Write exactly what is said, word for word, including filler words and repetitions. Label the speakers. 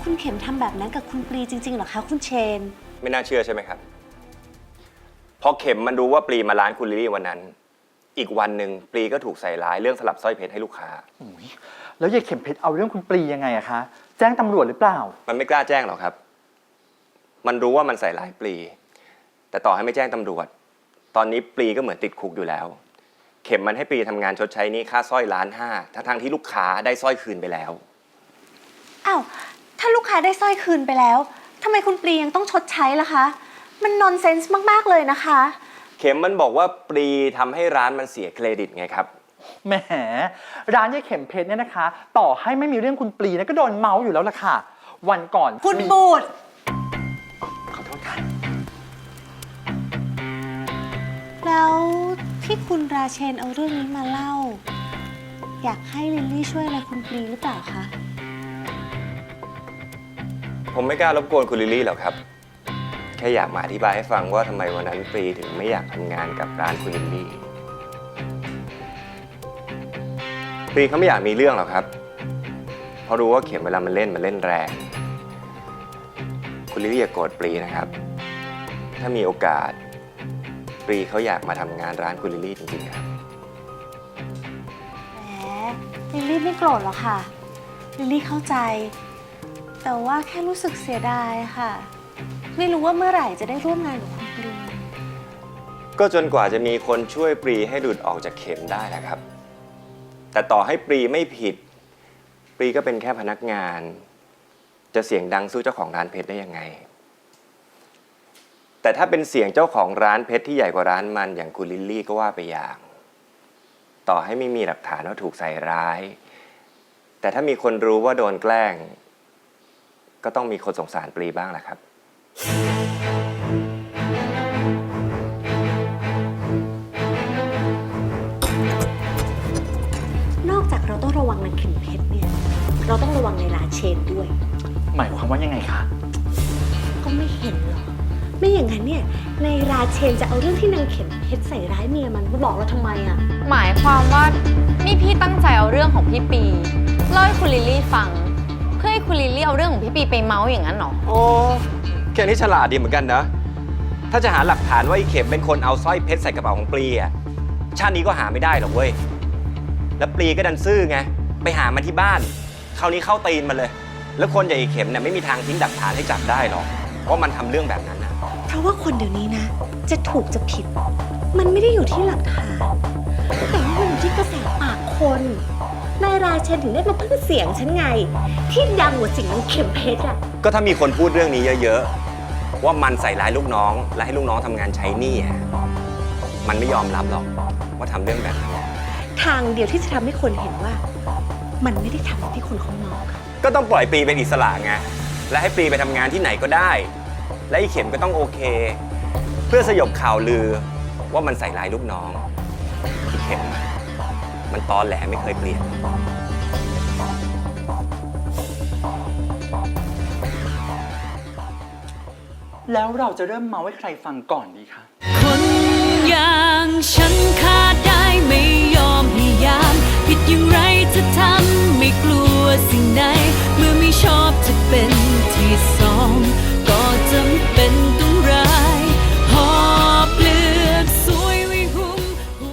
Speaker 1: คุณเข็มทำแบบนั้นกับคุณปรีจริงๆเหรอคะคุณเชน
Speaker 2: ไม่น่าเชื่อใช่ไหมครับพอเข็มมันรู้ว่าปรีมาร้านคุณลิลลี่วันนั้นอีกวันหนึ่งปรีก็ถูกใส่ร้ายเรื่องสลับสร้อยเพชรให้ลูกค้า
Speaker 3: แล้วยายเข็มเพชรเอาเรื่องคุณปรียังไงอะคะแจ้งตำรวจหรือเปล่า
Speaker 2: มันไม่กล้าแจ้งหรอกครับมันรู้ว่ามันใส่ร้ายปรีแต่ต่อให้ไม่แจ้งตำรวจตอนนี้ปรีก็เหมือนติดคุกอยู่แล้วเข็มมันให้ปรีทำงานชดใช้หนี้ค่าสร้อยล้านห้าทั้งๆที่ลูกค้าได้สร้อยคืนไปแล้ว
Speaker 1: อ้าวถ้าลูกค้าได้สร้อยคืนไปแล้วทำไมคุณปรียังต้องชดใช้ล่ะคะมันนอนเซนส์มากๆเลยนะคะ
Speaker 2: เข็มมันบอกว่าปรีทำให้ร้านมันเสียเครดิตไงครับ
Speaker 3: แหมร้านยายเข็มเพชรเนี่ยนะคะต่อให้ไม่มีเรื่องคุณปรีนะก็โดนเมาส์อยู่แล้วล่ะค่ะวันก่อน
Speaker 1: คุณบูด
Speaker 3: ขอโทษค่ะ
Speaker 1: แล้วที่คุณราเชนเอาเรื่องนี้มาเล่าอยากให้ลิลลี่ช่วยอะไรคุณปรีหรือเปล่าคะ
Speaker 2: ผมไม่กล้ารบกวนคุณลิลลี่หรอกครับแค่อยากมาอธิบายให้ฟังว่าทำไมวันนั้นปรีถึงไม่อยากทำงานกับร้านคุณลิลลี่ปรีเขาไม่อยากมีเรื่องหรอกครับเพราะรู้ว่าเข็มเวลามันเล่นมันเล่นแรงคุณลิลลี่อย่าโกรธปรีนะครับถ้ามีโอกาสปรีเขาอยากมาทำงานร้านคุณลิลลี่จริงๆครับ
Speaker 1: แหมลิลลี่ไม่โกรธหรอกค่ะลิลลี่เข้าใจแต่ว่าแค่รู้สึกเสียดายค่ะไม่รู้ว่าเมื่อไหร่จะได้ร่วมงานกับคุณปรี
Speaker 2: ก็จนกว่าจะมีคนช่วยปรีให้หลุดออกจากเข็มได้นะครับแต่ต่อให้ปรีไม่ผิดปรีก็เป็นแค่พนักงานจะเสียงดังสู้เจ้าของร้านเพชรได้ยังไงแต่ถ้าเป็นเสียงเจ้าของร้านเพชรที่ใหญ่กว่าร้านมันอย่างคุณลิลลี่ก็ว่าไปอย่างต่อให้ไม่มีหลักฐานว่าถูกใส่ร้ายแต่ถ้ามีคนรู้ว่าโดนแกล้งก็ต้องมีคนสงสารปรีบ้างแหละครับ
Speaker 1: นอกจากเราต้องระวังนางเข็มเพชรเนี่ยเราต้องระวังในราเชนด้วย
Speaker 3: หมายความว่ายังไงคะ
Speaker 1: ก็ไม่เห็นหรอกไม่อย่างนั้นเนี่ยในราเชนจะเอาเรื่องที่นางเข็มเพชรใส่ร้ายเมียมันมาบอกเราทำไมอะ
Speaker 4: หมายความว่านี่พี่ตั้งใจเอาเรื่องของพี่ปีเล่าให้คุณลิลลี่ฟังเพื่อให้คุณลิลลี่เอาเรื่องของพี่ปีไปเมาส์อย่างนั้นหรอ
Speaker 2: โอ้แค่นี้ฉลาดดีเหมือนกันนะถ้าจะหาหลักฐานว่าไอ้เข็มเป็นคนเอาสร้อยเพชรใส่กระเป๋าของปรีอะชาตินี้ก็หาไม่ได้หรอกเว้ยแล้วปรีก็ดันซื่อไงไปหามันที่บ้านคราวนี้เข้าตีนมันเลยแล้วคนอย่างไอ้เข็มเนี่ยไม่มีทางทิ้งหลักฐานให้จับได้หรอกเพราะมันทำเรื่องแบบนั้นนะ
Speaker 1: เพราะว่าคนเดี๋ยวนี้นะจะถูกจะผิดมันไม่ได้อยู่ที่หลักฐานแต่ว่ามันอยู่ที่กระแสปากคนนายราเชนถึงได้มาพึ่งเสียงฉันไงที่ดังกว่าสิ่งนั้นเข็มเพชรอ่ะ
Speaker 2: ก็ถ้ามีคนพูดเรื่องนี้เยอะๆว่ามันใส่ร้ายลูกน้องและให้ลูกน้องทำงานใช้หนี้มันไม่ยอมรับหรอกว่าทำเรื่องแบบนั้น
Speaker 1: ทางเดียวที่จะทำให้คนเห็นว่ามันไม่ได้ทำที่คนเขามอง
Speaker 2: ก็ต้องปล่อยปรีเป็นอิสระไงและให้ปรีไปทำงานที่ไหนก็ได้และไอ้เข็มก็ต้องโอเคเพื่อสยบข่าวลือว่ามันใส่ร้ายลูกน้องไอ้เข็มมันตอแหลไม่เคยเปลี่ยน
Speaker 3: แล้วเราจะเริ่มเมาให้ใครฟังก่อนดีคะ
Speaker 5: คนอย่างฉันขาดได้ไม่ยอม